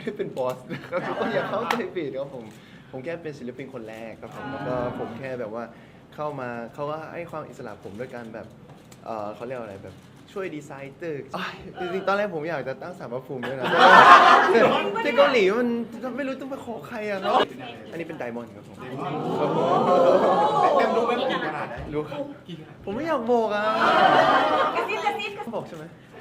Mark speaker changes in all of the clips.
Speaker 1: ได้เป็นบอสนะครับทุกคนอย่าเข้าใจผิดครับผมแค่เป็นศิลปินคนแรกครับผมแล้วก็ผมแค่แบบว่าเข้ามาเขาก็ให้ความอิสระผมด้วยการแบบเขาเรียกว่าอะไรแบบช่วยดีไซน์ตึกจริงๆตอนแรกผมอยากจะตั้งศาลพระภูมิด้วยนะที่เกาหลีมันไม่รู้ต้องไปขอใครอะครับอันนี้เป็นไดมอนด์ครับผมครับผม
Speaker 2: เต็มรู้ไหมกี่ขนาดได้
Speaker 1: รู้ครับผมไม่อยากบอกอ่ะ
Speaker 3: กระซิบกระซิบ
Speaker 1: บอกใช่ไหม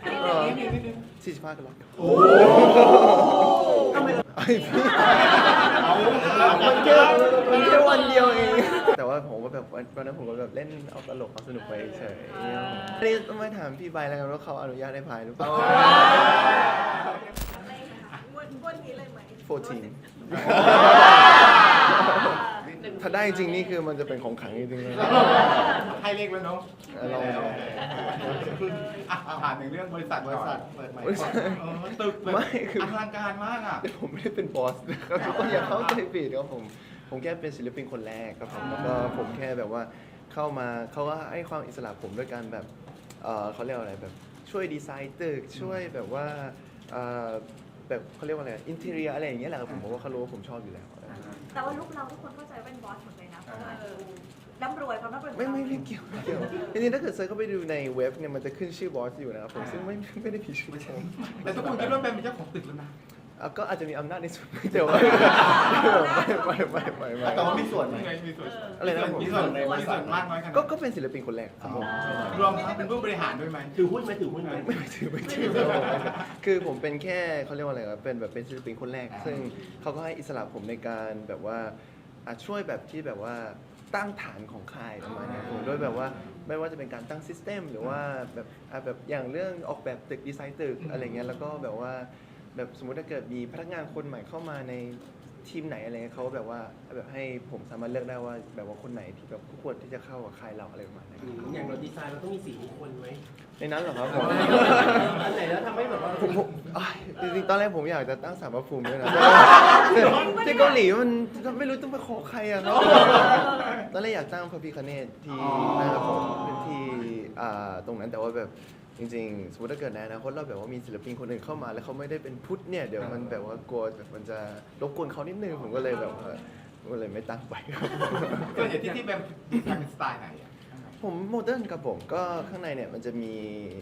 Speaker 1: 45กันแล้ว
Speaker 2: โอ้
Speaker 1: ทำไมไอพี่มันแค่วันเดียวเองแต่ว่าผมก็แบบวันนั้นผมก็แบบเล่นเอาตลกเอาสนุกไปเฉยนี่ต้องมาถามพี่ใบแล้วกันว่าเขาอนุญาตให้พายหรือเปล่า
Speaker 3: วนนี้เลยไหม
Speaker 1: 14ถ้าได้จริงนี่คือมันจะเป็นของขลังจริงๆเลย
Speaker 2: ให้เลขแล้วเนาะ
Speaker 1: ลอง
Speaker 2: ผ่านถึงเรื่องบริษัทเปิดใหม่ตึกแบบอลังการมากอ่ะ
Speaker 1: ผมไม่ได้เป็นบอสนะครับทุกคนอย่าเข้าใจผิดครับผมแค่เป็นศิลปินคนแรกครับผมแล้วก็ผมแค่แบบว่าเข้ามาเขาก็ให้ความอิสระผมด้วยการแบบเขาเรียกว่าอะไรแบบช่วยดีไซน์ตึกช่วยแบบว่าแบบเขาเรียกว่าอะไรอินเทเรียอะไรอย่างเงี้ยแหละครับผมว่าเขารู้ว่าผมชอบอยู่แล้ว
Speaker 3: แต่ว่าลูกเราทุกคนเข้าใจว่าเป็นบอสหมดเลยนะเพราะว่าร่ำรวยความร่ำรวย
Speaker 1: ไม่เกี่ยวจริงๆถ้าเกิดเซิร์ชเข้าไปดูในเว็บเนี่ยมันจะขึ้นชื่อบอสอยู่นะครับผมซึ่งไม่ได้ผิดชื่อผม
Speaker 2: แต่ทุกคนคิดว่าเป็นเจ้าของตึกแล้วนะ
Speaker 1: ก็อาจจะมีอำนาจในส่วนแต่ว่าไม่
Speaker 2: แต่ว่ามีส่วนไหมมีส่วน
Speaker 1: อะไรนะผม
Speaker 2: มีส่วนมากน้อยขนาด
Speaker 1: ก็เป็นศิลปินคนแรกครับผม
Speaker 2: รวมทั้งเป็นผู้บริหารด้วยไหมถือหุ้นไหม
Speaker 1: ไม่ถือคือผมเป็นแค่เขาเรียกว่าอะไรครับเป็นแบบเป็นศิลปินคนแรกซึ่งเขาก็ให้อิสระผมในการแบบว่าช่วยแบบที่แบบว่าตั้งฐานของค่ายประมาณนี้ผมด้วยแบบว่าไม่ว่าจะเป็นการตั้งซิสเต็มหรือว่าแบบอย่างเรื่องออกแบบตึกดีไซน์ตึกอะไรเงี้ยแล้วก็แบบว่าแบบสมมติถ้าเกิดมีพนักงานคนใหม่เข้ามาในทีมไหนอะไรเงี้ยเขาแบบว่าแบบให้ผมสามารถเลือกได้ว่าแบบว่าคนไหนที่แบบควรที่จะเข้ากับค่ายเราอะไรประมาณนี้
Speaker 4: อย่างเราดีไซน์เราต้องมีสีมงคลไหม
Speaker 1: ในนั้นเหรอครับผม
Speaker 4: อันไหนแล้วทำให้แบบว่า
Speaker 1: จริงๆตอนแรกผมอยากจะตั้งศาลพระภูมิด้วยนะที่เกาหลีมันไม่รู้ต้องไปขอใครอะครับตอนแรกอยากตั้งพระพิฆเนศที่นะครับผมเป็นที่ตรงนั้นแต่ว่าแบบจริงๆสมมติถ้าเกิดในอนาคตเราแบบว่ามีศิลปินคนอื่นเข้ามาแล้วเขาไม่ได้เป็นพุทธเนี่ยเดี๋ยวมันแบบว่ากลัวแบบมันจะรบกวนเขานิดนึงผมก็เลยแบบว่าก็เลยไม่ตั้งไปครับ
Speaker 2: ส่วนใหญ่ที่เป็นสไตล์ไหนอ่ะ
Speaker 1: ผมโมเดิร์นครับผมก็ข้างในเนี่ยมันจะมี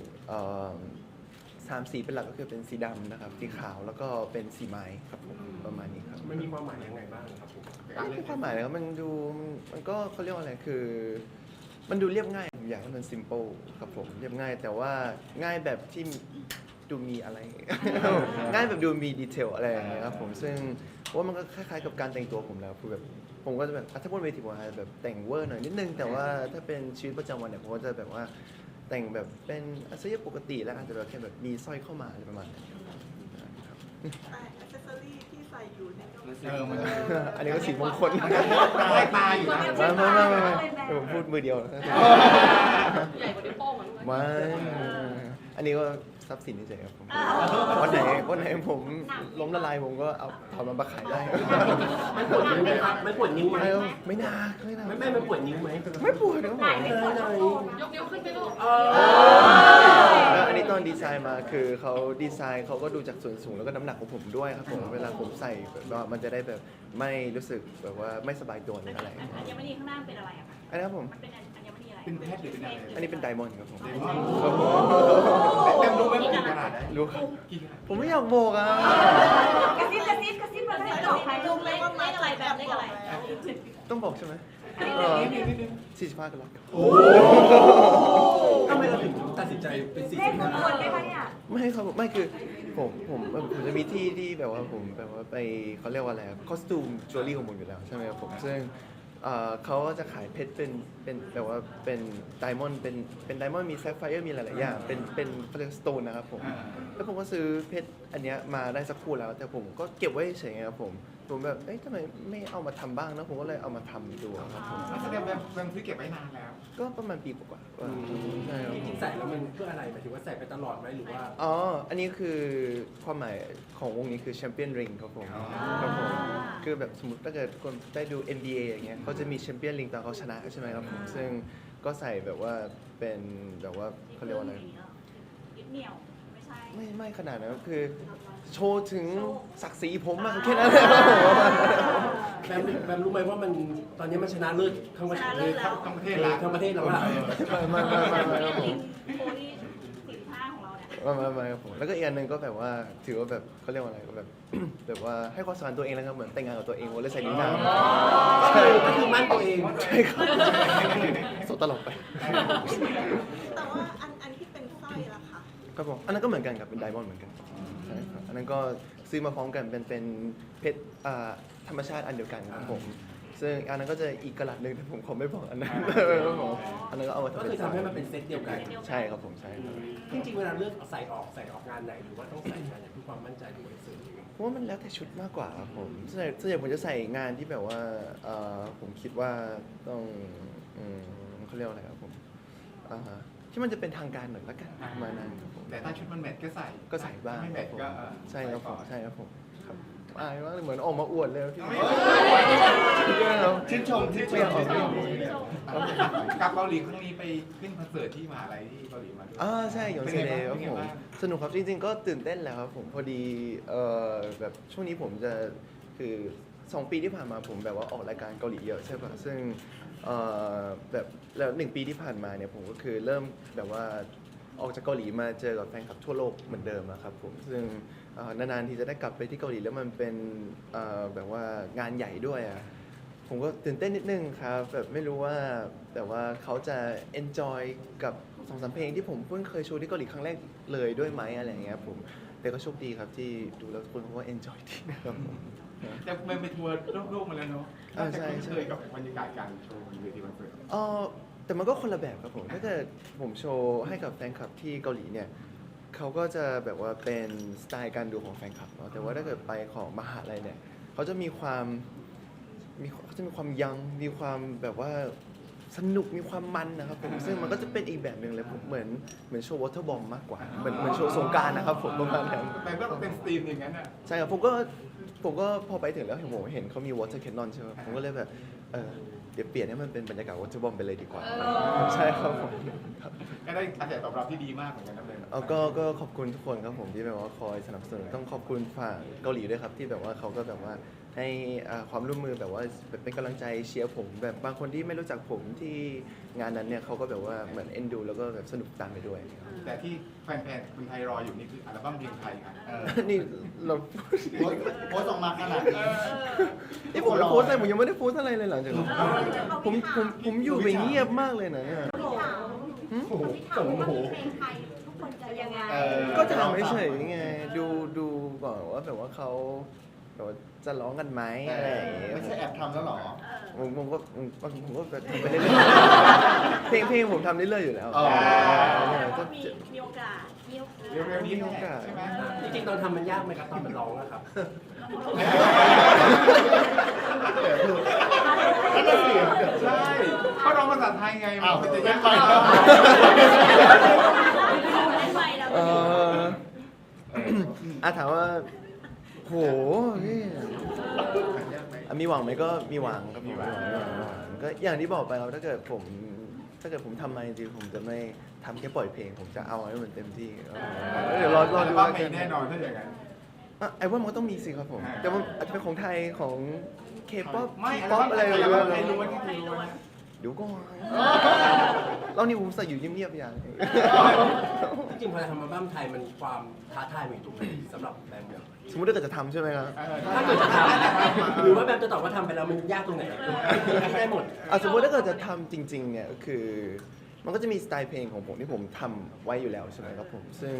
Speaker 1: 3 สีเป็นหลักก็คือเป็นสีดำนะครับสีขาวแล้วก็เป็นสีไม้ครับผมประมาณนี้ครับ
Speaker 4: มันมีความหมายยังไงบ้างครับผม
Speaker 1: ไม่มีความหมายนะครับมันก็เขาเรียกว่าอะไรคือมันดูเรียบง่ายผมอยากให้มัน simple ครับผมเรียบง่ายแต่ว่าง่ายแบบที่ดูมีอะไร ง่ายแบบดูมีดีเทลอะไรอย่างเงี้ยครับผมซึ่งว่ามันก็คล้ายๆกับการแต่งตัวผมแล้วคือแบบผมก็จะแบบถ้าบนเวทีผมอาจจะแบบแต่งเวอร์หน่อยนิดนึงแต่ว่าถ้าเป็นชีวิตประจำวันเนี่ยผมก็จะแบบว่าแต่งแบบเป็นอาชีพปกติแล้วอาจจะแบบแค่แบบมีสร้อยเข้ามาอะไรประมาณนั้นครับ
Speaker 3: อัเซสซอรี่ที่ใส่อยู่เนี่ย
Speaker 1: อันนี้ก็สีมงคล
Speaker 2: ให้ตาอยู่นะ
Speaker 1: ไม่ผมพูดมือเดียว
Speaker 5: ใหญ่กว่านิ้วโป้งอ่ะรู้ไหม
Speaker 1: ไม่อันนี้ก็ทรัพย์สินเฉยๆครับผมวันไหนผมล้มละลายผมก็เอาถอนมันมาขายได้
Speaker 4: มันปวดนิ้วไหมครับมันปวดนิ้วไหม
Speaker 1: ไม่น่า
Speaker 4: ไม่มันปวดนิ้วไหม
Speaker 1: ไม่ปวดครับผม
Speaker 5: ยกนิ้วขึ้นไปลูก
Speaker 1: แล้วอันนี้ตอนดีไซน์มาคือเขาดีไซน์เขาก็ดูจากส่วนสูงแล้วก็น้ำหนักของผมด้วยครับผมเวลาผมใส่แบบว่ามันจะได้แบบไม่รู้สึกแบบว่าไม่สบายตัวหรืออะไร
Speaker 5: อัญมณีข้างหน้าเป็นอะไรอะคะ
Speaker 1: อันนี้ครับผม
Speaker 5: มันเป็นอัญมณีอะไร
Speaker 2: เป็นเพชรหรือเป็นอะไร
Speaker 1: อันนี้เป็นไดมอนด์ครับผม
Speaker 2: เต็มรู้ไหมกี่ขนาดได้
Speaker 1: รู้ครับผมไม่อยากบอกอ่ะ
Speaker 3: กระซิบเราไม่ได้บอกใคร
Speaker 5: ลุงเลขอะไรแบบเลขอะไร
Speaker 1: ต้องบอกใช่ไหม45กันแล้ว
Speaker 4: ทำไมเราถึงตัดสินใจเป็นสี
Speaker 3: เลขมงคลได้ไหมเนี่ย
Speaker 1: ไม่ครับไม่คือผมจะมีที่แบบว่าผมแบบว่าไปเขาเรียกว่าอะไรคอสตูมจิวเวลรี่ของผมอยู่แล้วใช่ไหมครับผมซึ่งเขาก็จะขายเพชรเป็นแบบว่าเป็นไดมอนด์เป็นไดมอนด์มีแซฟไฟร์มีหลายๆอย่างเป็นเขาเรียกสโตนนะครับผมแล้วผมก็ซื้อเพชรอันเนี้ยมาได้สักคู่แล้วแต่ผมก็เก็บไว้เฉยๆครับผมแบบเอ๊ะทำไมไม่เอามาทำบ้างนะผมก็เลยเอามาทำดูครับผม
Speaker 2: แสดงแบบซื้อเก็บไว้นานแล้ว
Speaker 1: ก็ประมาณปีกว่าๆใช่ครับ
Speaker 4: จริงๆใส่แล้วมันเพื่ออะไรหมายถึงว่าใส่ไปตลอดไหมหรือว่า
Speaker 1: อ๋ออันนี้คือความหมายของวงนี้คือแชมเปี้ยนริงครับผมครับผมคือแบบสมมติถ้าเกิดคนได้ดู NBA อย่างเงี้ยเขาจะมีแชมเปี้ยนริงตอนเขาชนะใช่ไหมครับผมซึ่งก็ใส่แบบว่าเป็นแบบว่าเขาเรียกว่าอะไร
Speaker 5: ยึดเหนี่ยวไม่ใช่
Speaker 1: ไม่ขนาดนั้นคือโชว์ถึงศักดิ์ศรีผมมากแค่นั้นเลยครับผม
Speaker 4: แบมรู้ไหมว่ามันตอนนี้มันชนะเลิศทั้งประเทศ
Speaker 2: ทั้งประเทศละ
Speaker 4: ทั้งประเทศแล้วล่ะ
Speaker 1: ไม่ครับผม
Speaker 5: โคลี่45ของเราเนี่ย
Speaker 1: ไม่ครับผมแล้วก็อีกอันหนึ่งก็แบบว่าถือว่าแบบเขาเรียกว่าอะไรก็แบบ แบบว่าให้ความสำคัญตัวเองแล้วครับเหมือนแต่งงานกับตัวเองวันเลยใส่นิ้วนางใช่
Speaker 4: ก็คือมั่นตัวเอง
Speaker 1: ใช่ครับโสดตลอดไป
Speaker 6: แต่ว่าอันที่เป็นสร้อยล่ะคะ
Speaker 1: ครับผมอันนั้นก็เหมือนกันครับเป็นไดมอนด์เหมือนกันใช่ครับอันนั้นก็ซื้อมาพร้อมกันเป็นเพชรธรรมชาติอันเดียวกันครับผมซึ่งอันนั้นก็จะอีกกระลัดหนึ่งแต่ผมขอไม่บอกอันนั้นครับผมอันนั้นก็เอามา
Speaker 4: ก็
Speaker 1: ทำเป็
Speaker 4: คือน ทำให้มันเป็นเซตเดียวกัน
Speaker 1: ใช่ครับผมใช่ครับ
Speaker 4: จริงๆเวลาเลือกใส่ออกงานไหนหรือว่าต้องใส่งานไหนเพื่อความมั่นใจหรือว่าเสริม
Speaker 1: เพราะว่ามันแล้วแต่ชุดมากกว่าครับผมส่วนใหญ่ผมจะใส่งานที่แบบว่าผมคิดว่าต้องเขาเรียกว่าอะไรครับผมที่มันจะเป็นทางการหน่อยละกันประมาณนั้นครับผม
Speaker 2: แต่ถ้าชุดมันแมทก็ใส่
Speaker 1: ก็ใส่บ้าง
Speaker 2: ไม่แมทก็
Speaker 1: ใช่ครับผมใช่ครับผมครับอายมากเลยเหมือนออกมาอวดเลยพี่
Speaker 2: ชื่นชม
Speaker 1: ไม่อยากออกมาอวด
Speaker 2: กับเกาหลีครั้งนี้ไปขึ้นคอนเสิร์ตที่มหาลัยที่เกาหลีมาด้วย
Speaker 1: ใช่หยงเซเลครับผมสนุกครับจริงๆก็ตื่นเต้นแหล้วครับผมพอดีแบบช่วงนี้ผมจะคือ2 ปีที่ผ่านมาผมแบบว่าออกรายการเกาหลีเยอะใช่ป่ะซึ่งแบบแล้ว1 ปีที่ผ่านมาเนี่ยผมก็คือเริ่มแบบว่าออกจากเกาหลีมาเจอกับแฟนคลับทั่วโลกเหมือนเดิมอะครับผมซึ่งนานๆที่จะได้กลับไปที่เกาหลีแล้วมันเป็นแบบว่างานใหญ่ด้วยอะผมก็ตื่นเต้นนิดนึงครับแบบไม่รู้ว่าแต่ว่าเขาจะ enjoy กับ2-3 เพลงที่ผมเพิ่งเคยโชว์ที่เกาหลีครั้งแรกเลยด้วยไหมอะไรอย่างเงี้ยผมแต่ก็โชคดีครับที่ดูแล้วทุกคนเขาก็ enjoy ดีนะครับผม
Speaker 2: แต่มันไปทัวร์โลกมาแล้วเนาะ
Speaker 1: อ่า
Speaker 2: น่าจะ
Speaker 1: ใช่
Speaker 2: คุ้น
Speaker 1: ใช่
Speaker 2: เคยกับบรรยากาศการโชว์บนเวทีคอนเสิร์ต
Speaker 1: แต่มันก็คนละแบบครับผมถ้าเกิดผมโชว์ให้กับแฟนคลับที่เกาหลีเนี่ยเขาก็จะแบบว่าเป็นสไตล์การดูของแฟนคลับเนาะแต่ว่าถ้าเกิดไปของมหาลัยเนี่ยเขาจะมีความยังมีความแบบว่าสนุกมีความมันนะครับผมซึ่งมันก็จะเป็นอีกแบบหนึ่งเลยผมเหมือนโชว์วอเตอร์บอมมากกว่าเหมือนโชว์สงกรานต์นะครับผมประมาณนั้น
Speaker 2: แต่ก็เป็นสตรีมอย่างนั้นอ่ะ
Speaker 1: ใช่ครับผมก็พอไปถึงแล้วเห็นเขามี water cannon ใช่ไหมผมก็เลยแบบเดี๋ยวเปลี่ยนให้มันเป็นบรรยากาศ water bomb ไปเลยดีกว่าใช่ครับผมครับ
Speaker 2: ก็ได้กระแสตอบรับที่ดีมากเหมือนกันนะเลย
Speaker 1: ก็ขอบคุณทุกคนครับผมที่แบบว่าคอยสนับสนุนต้องขอบคุณฝั่งเกาหลีด้วยครับที่แบบว่าเขาก็แบบว่าให้ความร่วมมือแบบว่าเป็นกำลังใจเชียร์ผมแบบบางคนที่ไม่รู้จักผมที่งานนั้นเนี่ยเขาก็แบบว่าเหมือนเอ็นดูแล้วก็แบบสนุกตามไปด้วย
Speaker 2: แต่ที่แฟนๆคนไทยรออยู่นี่คืออัลบั้มเพลงไทยครับ
Speaker 1: นี่เรา
Speaker 6: โพสต์ออกมาขนาดนี้
Speaker 1: นี่ผมโพสต์อะไรผมยังไม่ได้โพสต์อะไรเลยหลังจากนั้นผมอยู่ไปเงียบมากเลยนะ
Speaker 3: พี่ถามว่าเพลงไทยทุกคนจะยังไง
Speaker 1: ก็ถามเฉยๆไงดูก่อนว่าแบบว่าเขาแบบว่าจะร้องกันไหมอะไรอย่างเงี้ย
Speaker 6: ไม่ใช่แอบทำแล้วหรอ
Speaker 1: ผมก็ทำไปเรื่อยๆเพลงผมทำเรื่อยๆอยู่แล้ว
Speaker 5: ก็มีโอกาส
Speaker 2: เร็วๆนี้แหละใช่ไหม
Speaker 4: จริงๆตอนทำมันยากไหมครับตอนมันร้องนะครับ
Speaker 2: ใช่เขาร้องภาษาไทยไง
Speaker 6: อ้าว
Speaker 2: มันจะ
Speaker 6: ไม่
Speaker 2: ยาก
Speaker 6: ไป
Speaker 2: ไป
Speaker 6: แล้ว
Speaker 5: เล่นไปแล้ว
Speaker 1: ถามว่าโหพี่มีหวังไหมก็มีหวังครับมีหวังก็อย่างที่บอกไปครับถ้าเกิดผมทำมาจริงๆผมจะไม่ทำแค่ปล่อยเพลงผมจะเอาให้มันเต็มที่เดี๋ยวรอ
Speaker 2: อัล
Speaker 1: ดู
Speaker 2: บั้ม
Speaker 1: แล้ว
Speaker 2: มี
Speaker 1: กัน
Speaker 2: แน่นอนถ้าอย่างนั้น
Speaker 1: ไอ้ว่ามันก็ต้องมีสิครับผมแต่มันอาจจะเป็นของไทยของเคป๊อป
Speaker 2: ไม่
Speaker 1: ป๊อปอะไร
Speaker 2: อัล
Speaker 1: เงี้
Speaker 2: บั้มไทย
Speaker 1: ย
Speaker 2: ล้วนไทยล้วน
Speaker 1: เดี๋ยวก่อนเรานี่ผมใส่อยู่เงียบๆอย่าง
Speaker 4: จริงๆพอทำอัลบั้มไทยมันความท้าทายมันอยู่ตรงไหนสำหรับแบมเนี่ย
Speaker 1: สมมติถ้าเกิดจะทำใช่ไหมครับ
Speaker 4: ถ้าเกิดจะทำหรือว่าแบมจะตอบว่าทำไปแล้วมันยากตรงไหนได้หมด
Speaker 1: สมมติถ้าเกิดจะทำจริงๆเนี่ยก็คือมันก็จะมีสไตล์เพลงของผมที่ผมทำไว้อยู่แล้วใช่ไหมครับผมซึ่ง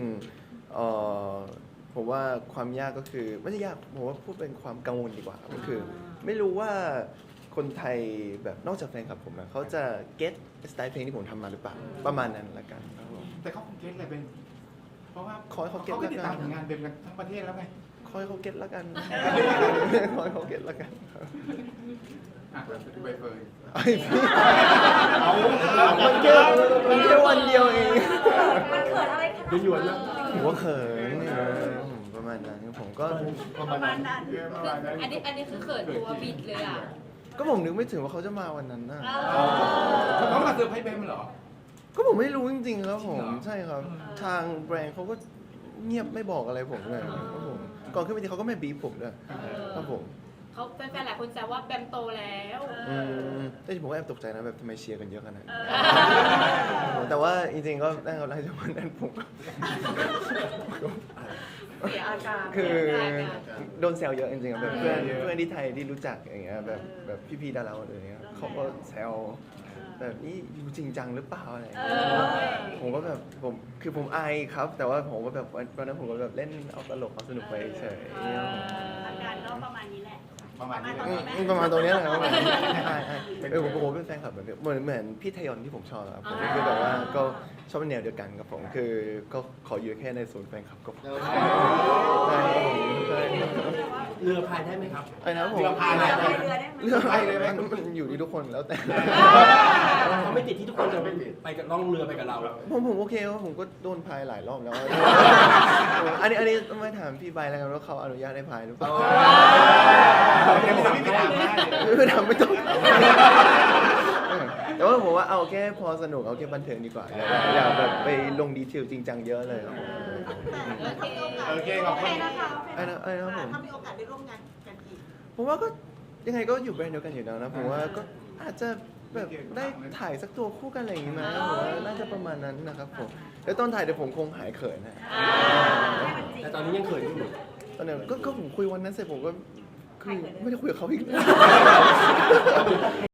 Speaker 1: ผมว่าความยากก็คือไม่ใช่ยากผมว่าพูดเป็นความกังวลดีกว่าก็คือ ไม่รู้ว่าคนไทยแบบนอกจากแฟนคลับผมนะเขาจะเก็ตสไตล์เพลงที่ผมทำมาหรือเปล่าประมาณนั้นละกันครับผม
Speaker 2: แต่เขาคงเก็ตเลยเป็นเพราะว่า
Speaker 1: ขอให้เขาเก็ต
Speaker 2: ก็ติด
Speaker 1: แล้วกัน
Speaker 2: ตามผลงานเป็นกันทั้งประเทศแล้วไง
Speaker 1: คอยเขาเก็ตละกัน คอยเขาเก็ตละกันครับ
Speaker 2: ใบเฟิร์น
Speaker 1: ไอ้พี่มันแค่วันเดียวเอง
Speaker 3: มันเขินอะไรขนาดนั้น
Speaker 4: หยวนๆนะ
Speaker 1: ผมว่าเขินเนี่ยประมาณนั้นผมก็
Speaker 5: ประมาณนั้น
Speaker 7: อันนี้คือเขินตัวบิดเลยอ่ะ
Speaker 1: ก็ผมนึกไม่ถึงว่าเขาจะมาวันนั้นนะ
Speaker 2: เขามาเซอร์ไพรส์เบมเหรอ
Speaker 1: ก็ผมไม่รู้จริงๆครับผม
Speaker 2: จริงเหรอ
Speaker 1: ใช่ครับ ทางแบรนด์เขาก็เงียบไม่บอกอะไรผมเลยครับผมก่อนขึ้นเวทีเขาก็ไม่บีบผมด้วยครับผม
Speaker 7: เขาแฟนๆหลายคนแซวว่าแบมโตแล้ว
Speaker 1: แต่ผมก็แอบตกใจนะแบบทำไมเชียร์กันเยอะขนาดนั้นแต่ว่าจริงๆก็ได้ครับหลังจากวันนั้นผมก็
Speaker 3: เสียอาการ
Speaker 1: คือโดนแซวเยอะจริงๆแบบเพื่อนที่ไทยที่รู้จักอย่างเงี้ยแบบพี่ๆดาราคนอื่นเงี้ยเขาก็แซวแบบนี้อยู่จริงจังหรือเปล่าอะไรอย่างเงี้ยผมก็แบบผมอายครับ แต่ว่าผมก็แบบวันนั้นผมก็แบบเล่นเอาตลกเอาสนุกไปเฉย
Speaker 5: อาการก็ประมาณนี้แหละ
Speaker 2: ประมาณนี้เลย
Speaker 1: ประมาณตรงเนี้ยแหละครับผมเป็นแฟนคลับแบบเหมือนพี่ทยอนที่ผมชอบครับผมคือแบบว่าก็ชอบแนวเดียวกันกับผมคือก็ขออยู่แค่ในศูนย์แฟนคลับก็พอใช่ครับผมใช่
Speaker 4: เรือพายได้ไหมครับ
Speaker 1: ไอ้นะผม
Speaker 2: เรือพายได้ไหม
Speaker 3: เรือได้ไหม
Speaker 1: เรื่องอะไรมันอยู่ที่ทุกคนแล้วแต่
Speaker 4: เขาไม่ติดที่ทุกคนจะไปกับล่องเรือไปกับเรา
Speaker 1: ผมโอเคว่าผมก็โดนพายหลายรอบแล้ว อันนี้ต้องมาถามพี่ใบแล้วกันว่าเขาอนุญาตให้พายหรือเปล่า
Speaker 2: เดี๋ยวผมไม่ถามให้
Speaker 1: คือทำไม่ต้องแต่ว่าผมว่าเอาแค่พอสนุกเอาแค่บันเทิงดีกว่าอย่าแบบไปลงดีเทลจริงจังเยอะเลยครับผม
Speaker 6: แต่ถ้ามีโอกาส
Speaker 2: โอเคขอบคุณ
Speaker 3: นะคะ
Speaker 1: ไอ้นะครับผม
Speaker 6: ถ้ามีโอกาสได้ร่วมงานกันอีก
Speaker 1: ผมว่าก็ยังไงก็อยู่แบรนด์เดียวกันอยู่แล้วนะผมว่าก็อาจจะแบบได้ถ่ายสักตัวคู่กันอะไรอย่างงี้ไหมผมว่าน่าจะประมาณนั้นนะครับผมแล้วตอนถ่ายเดี๋ยวผมคงหายเขินนะ
Speaker 4: แต่ตอนนี้ยังเขินอยู่
Speaker 1: ตอนนั้นก็ผมคุยวันนั้นเสร็จผมก็คือไม่ได้คุยกับเขาอีกเลย